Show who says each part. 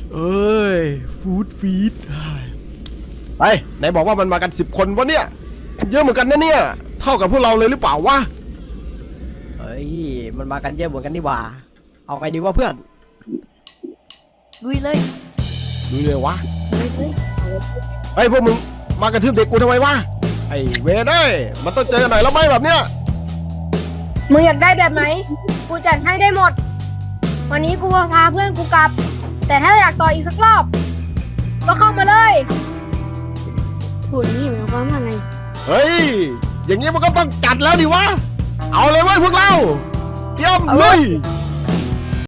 Speaker 1: เอ้ยฟู้ดฟีดไปไหนบอกว่ามันมากัน10 คนวะเนี่ยเยอะเหมือนกันนะเนี่ยเท่ากับพวกเราเลยหรือเปล่าวะ
Speaker 2: เฮ้ยมันมากันเยอะเหมือนกันนี่หว่าเอาไงดีวะเพื่อน
Speaker 3: ลุยเลย
Speaker 1: ดูเลยวะ
Speaker 3: ลุยเลย
Speaker 1: ไอ้พวกมึงมากระทืบเด็กกูทำไมวะไอ้เวรเอ้ยมันต้องเจอกันหน่อยแล้วไหมแบบเนี้ย
Speaker 4: มึงอยากได้แบบไหน กูจัดให้ได้หมด วันนี้กูพาเพื่อนกูกลับ แต่ถ้าอยากต่ออีกสักรอบ ก็เข้ามาเลย
Speaker 3: พูดนี่หมายความว่าไง
Speaker 1: เฮ้ยอย่างงี้มันก็ต้องจัดแล้วดิวะเอาเลยเว้ยพวกเราเตรียมลุย